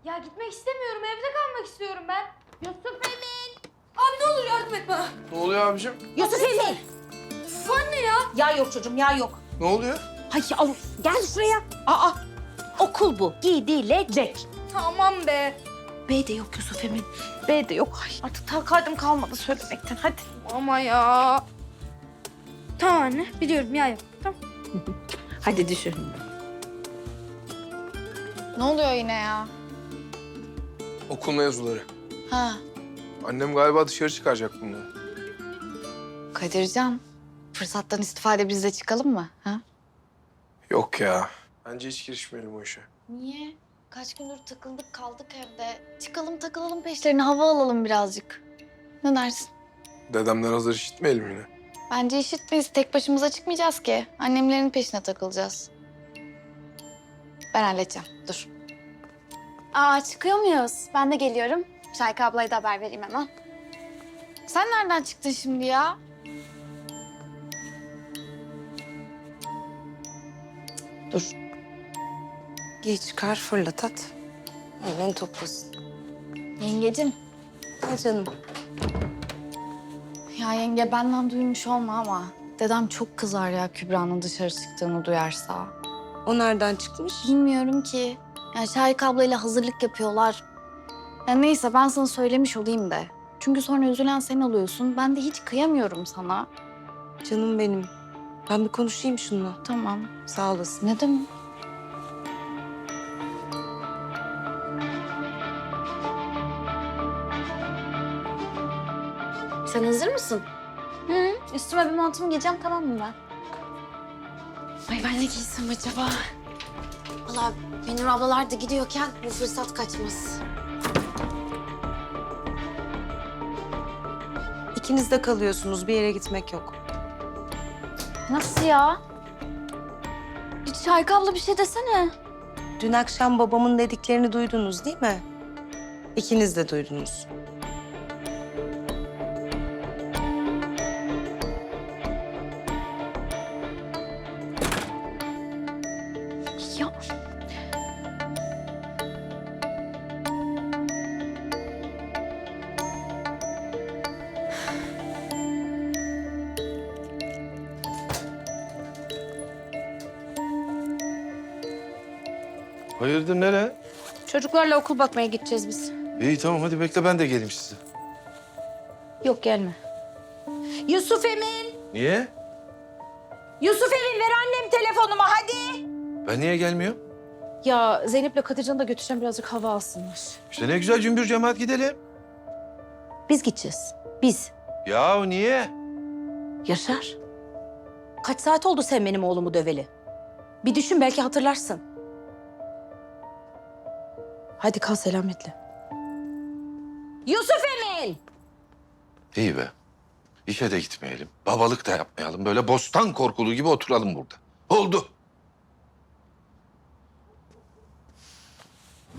Ya gitmek istemiyorum. Evde kalmak istiyorum ben. Yusuf Emin. Abi ne olur yardım et bana. Ne oluyor abicim? Yusuf Emin. Üf anne ya. Ya yok çocuğum ya yok. Ne oluyor? Hay al gel şuraya. Aa okul bu. Gidilecek. Tamam be. B de yok Yusuf Emin. B de yok. Ay, artık takatim kalmadı söylemekten. Hadi. Ama ya. Tamam anne biliyorum ya yok. Tamam. Hadi düşün. Ne oluyor yine ya? Okul mevzuları. Ha, Annem galiba dışarı çıkaracak bunu. Kadircan. Fırsattan istifade biz de çıkalım mı? Ha? Yok ya. Bence hiç girişmeyelim o işe. Niye? Kaç gündür takıldık kaldık evde. Çıkalım takılalım peşlerine hava alalım birazcık. Ne dersin? Dedemden hazır işitmeyelim yine. Bence işitmeyiz. Tek başımıza çıkmayacağız ki. Annemlerin peşine takılacağız. Ben halledeceğim. Dur. Aa çıkıyor muyuz? Ben de geliyorum. Şayka ablaya da haber vereyim hemen. Sen nereden çıktın şimdi ya? Dur. Giy çıkar fırlat at. Hemen toplasın. Yengecim. Ha canım. Ya yenge benden duymuş olma ama dedem çok kızar ya Kübra'nın dışarı çıktığını duyarsa. O nereden çıkmış? Bilmiyorum ki. Yani Şahik ablayla hazırlık yapıyorlar. Ya neyse ben sana söylemiş olayım da. Çünkü sonra üzülen sen oluyorsun. Ben de hiç kıyamıyorum sana. Canım benim. Ben bir konuşayım şununla. Tamam. Sağ olasın. Ne demek? Sen hazır mısın? Hı, üstüme bir montumu giyeceğim tamam mı ben? Ay ben ne giysem acaba? Valla Benur ablalar da gidiyorken bu fırsat kaçmaz. İkiniz de kalıyorsunuz. Bir yere gitmek yok. Nasıl ya? Hiç Şahik abla bir şey desene. Dün akşam babamın dediklerini duydunuz değil mi? İkiniz de duydunuz. Ya Hayırdır nereye? Çocuklarla okul bakmaya gideceğiz biz. İyi tamam hadi bekle ben de geleyim size. Yok gelme. Yusuf Emin! Niye? Yusuf Emin ver annem telefonumu hadi. Ben niye gelmiyorum? Ya Zeynep'le Kadircan'ı da götüreceğim birazcık hava alsınlar. İşte ne güzel cümbür cemaat gidelim. Biz gideceğiz. Biz. Ya niye? Yaşar. Kaç saat oldu sen benim oğlumu döveli? Bir düşün belki hatırlarsın. Hadi kal selametle. Yusuf Emin! İyi be. İşe de gitmeyelim. Babalık da yapmayalım. Böyle bostan korkulu gibi oturalım burada. Oldu.